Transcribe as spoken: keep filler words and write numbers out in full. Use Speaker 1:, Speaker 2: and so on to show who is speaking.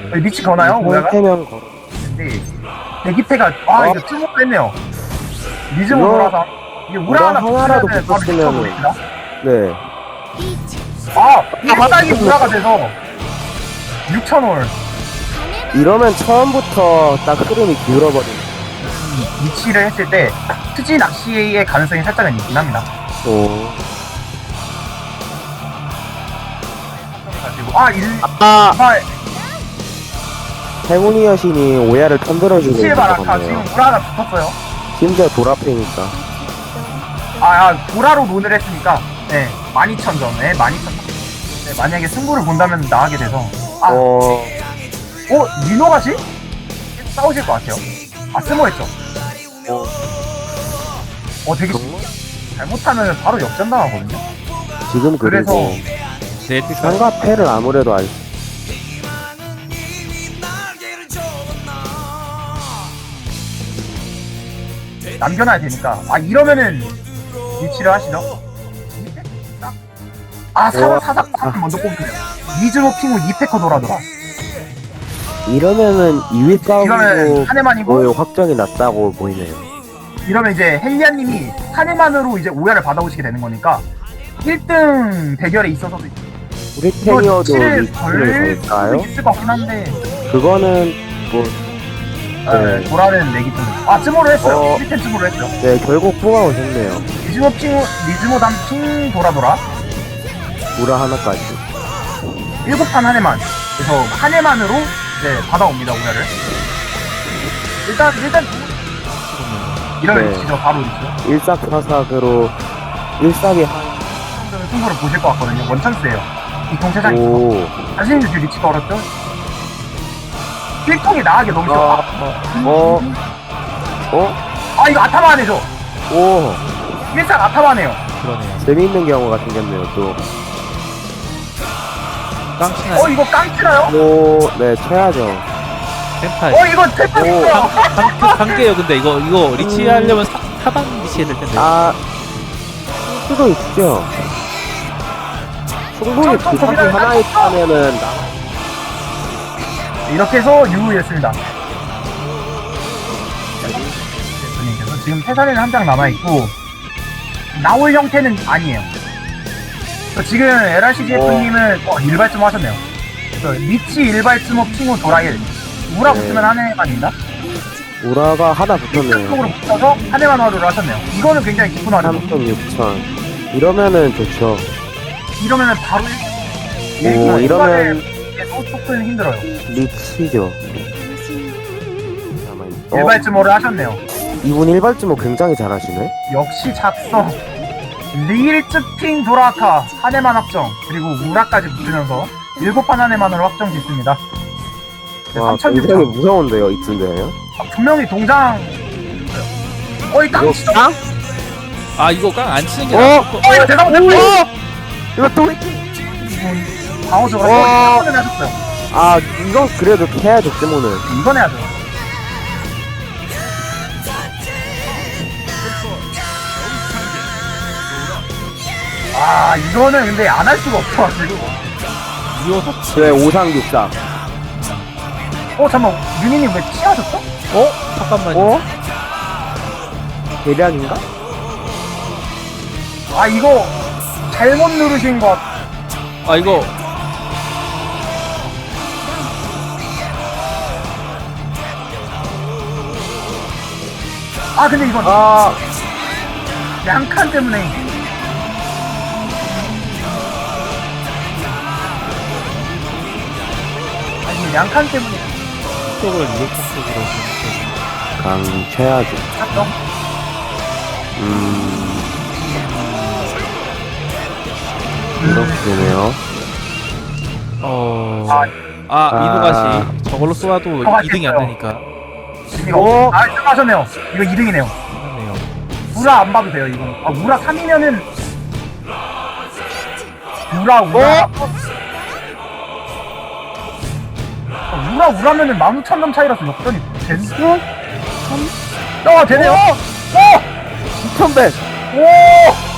Speaker 1: 리치 거나요? 오야가?
Speaker 2: 상태면 걸어.
Speaker 1: 근데 대기태가 아
Speaker 2: 어?
Speaker 1: 이거 쭈먹 했네요. 리즈모
Speaker 2: 이거
Speaker 1: 돌아서 이게 우라
Speaker 2: 우라
Speaker 1: 하나
Speaker 2: 하나라도
Speaker 1: 붙으면은 바로
Speaker 2: 붙었으면은-
Speaker 1: 미쳐버립니다.
Speaker 2: 네.
Speaker 1: 아 일상이 우라가 돼서 육천 올
Speaker 2: 이러면 처음부터 딱 흐름이 기울어버리네.
Speaker 1: 위치를 했을 때 투지 낚시의 가능성이 살짝은 있긴 합니다.
Speaker 2: 오.
Speaker 1: 가지고 아 일,
Speaker 2: 아,
Speaker 1: 아
Speaker 2: 행운이 여신이 오야를 편들어주고
Speaker 1: 위치의
Speaker 2: 있는
Speaker 1: 바라카
Speaker 2: 것
Speaker 1: 지금
Speaker 2: 같네요.
Speaker 1: 우라 하나 붙었어요.
Speaker 2: 심지어 돌아패니까.
Speaker 1: 아, 아 보라로 논을 했으니까 네 만 이천 점, 네 만 이천 점. 네, 만약에 승부를 본다면 나가게 돼서 아, 어,
Speaker 2: 어,
Speaker 1: 리노가지? 싸우실 것 같아요. 아 스모했죠.
Speaker 2: 어,
Speaker 1: 어 되게
Speaker 2: 정말?
Speaker 1: 잘못하면 바로 역전 당하거든요.
Speaker 2: 지금
Speaker 1: 그래서
Speaker 2: 그리고
Speaker 3: 네, 뛸까요?
Speaker 2: 상가패를 아무래도 알
Speaker 1: 남겨놔야 되니까 아 이러면은 위치를 하시죠. 아 사사
Speaker 2: 와.
Speaker 1: 사사 사사 먼저 뽑으네요. 리즈모 핑우 이 패커 돌아더라.
Speaker 2: 이러면은 이 위
Speaker 1: 이거는
Speaker 2: 싸움도
Speaker 1: 한 해만이고
Speaker 2: 거의 확정이 났다고 보이네요.
Speaker 1: 이러면 이제 헬리아님이 한 해만으로 이제 오야를 받아오시게 되는 거니까 일 등 대결에 있어서도
Speaker 2: 우리
Speaker 1: 이거
Speaker 2: 탱이어도
Speaker 1: 위치를
Speaker 2: 리치를
Speaker 1: 걸
Speaker 2: 걸까요?
Speaker 1: 수도 있을 것 같긴 한데
Speaker 2: 그거는 뭐,
Speaker 1: 네.
Speaker 2: 네.
Speaker 1: 보라는 내기 좀. 아 쯤으로 했어요.
Speaker 2: 어.
Speaker 1: 일 템 쯤으로 했어요.
Speaker 2: 네, 결국 뽑아오셨네요.
Speaker 1: 리즈모 핑우 리즈모 담핑 돌아 돌아
Speaker 2: 우라 하나까지.
Speaker 1: 일곱 판 한 해만. 그래서 한 해만으로 이제 받아옵니다 오야를. 일단 일단 이런
Speaker 2: 네.
Speaker 1: 위치죠 바로 위치죠.
Speaker 2: 일삭사삭으로 일삭이 한,
Speaker 1: 승부를 보실 것 같거든요. 원찬스예요. 이통 세상이 있어.
Speaker 2: 오.
Speaker 1: 자신이 지금 리치가 어렵죠? 필통이 나가게 너무 싫어.
Speaker 2: 아, 어, 어,
Speaker 1: 아 이거 아타마네죠.
Speaker 2: 오.
Speaker 1: 일상 아타마네요.
Speaker 3: 그러네요.
Speaker 2: 재미있는 경우가 생겼네요, 또.
Speaker 3: 깡치나
Speaker 1: 어 이거 깡치나요?
Speaker 2: 오, 네, 쳐야죠.
Speaker 3: 템파이.
Speaker 1: 어 이거 태풍이에요.
Speaker 3: 관계요. 근데 이거 이거 리치 하려면 사, 하단 리치 해야 될 텐데.
Speaker 2: 아, 수도 있죠. 충분히
Speaker 1: 좀, 좀
Speaker 2: 그 사기
Speaker 1: 고민을
Speaker 2: 하나에
Speaker 1: 하죠.
Speaker 2: 타면은,
Speaker 1: 이렇게 해서 유우였습니다. 그래서 지금 태산에는 한 장 남아있고 나올 형태는 아니에요. 그래서 지금 엘알씨지에프님은 어, 일발쯤 하셨네요. 그래서 리치 일발쯤 핑후 도라일 우라
Speaker 2: 네.
Speaker 1: 붙으면 한 해만입니다.
Speaker 2: 우라가 하나 붙었네요.
Speaker 1: 쪽으로 붙어서 한 해만 화로를 하셨네요. 이거는 굉장히 기쁜 화로.
Speaker 2: 삼천 육천. 이러면은 좋죠.
Speaker 1: 이러면은 바로
Speaker 2: 오, 이러면
Speaker 1: 소속은 힘들어요.
Speaker 2: 리치죠. 어,
Speaker 1: 일발쯤어를 하셨네요.
Speaker 2: 이분 일발쯤어 굉장히 잘하시네.
Speaker 1: 역시 작성 리일즈핑 도라카 한 해만 확정 그리고 우라까지 붙으면서 일곱 판 한 해만으로 확정 짓습니다. 네,
Speaker 2: 와,
Speaker 1: 삼천
Speaker 2: 굉장히
Speaker 1: 육천
Speaker 2: 무서운데요, 이쯤되면.
Speaker 1: 아, 분명히 동장 어이 깡치죠?
Speaker 2: 깡?
Speaker 3: 아 이거 깡 안 치는 게
Speaker 2: 어?
Speaker 3: 나을 것.
Speaker 1: 어 이거 대상 못했어.
Speaker 2: 이거 또,
Speaker 1: 방어적으로
Speaker 2: 와.
Speaker 1: 한번 하셨어요.
Speaker 2: 아, 이건 그래도 해야죠, 뜨모는.
Speaker 1: 이건 해야죠. 아 이거는 근데 안 할 수가 없어가지고
Speaker 3: 이어서.
Speaker 2: 네, 오상육상.
Speaker 1: 어 잠깐만 윤희님 왜 치하셨어?
Speaker 3: 어? 잠깐만. 요
Speaker 2: 어? 대략인가?
Speaker 1: 아 이거 잘못 누르신 것 같...
Speaker 3: 아 이거
Speaker 1: 아 근데 이건
Speaker 2: 아,
Speaker 1: 양칸 때문에 아니 양칸 때문에
Speaker 3: 쪽으로 이렇게 쪽으로.
Speaker 2: 강최하죠.
Speaker 1: 샀죠?
Speaker 2: 음. 이렇게 되네요.
Speaker 3: 어.
Speaker 1: 아
Speaker 3: 아
Speaker 2: 아.
Speaker 3: 이노가시 저걸로 쏘아도
Speaker 1: 어,
Speaker 3: 이 등이 안
Speaker 1: 알겠어요.
Speaker 3: 되니까.
Speaker 1: 이거
Speaker 2: 어?
Speaker 1: 아 하셨네요. 이거 이 등이네요.
Speaker 3: 그러네요.
Speaker 1: 우라 안 봐도 돼요 이거. 아 우라 삼이면은 우라 우라
Speaker 2: 어?
Speaker 1: 아, 우라 우라면은 만 오천 점 차이라서 역전이 되는 어 되네요. 어!
Speaker 2: 이천백!
Speaker 1: 오!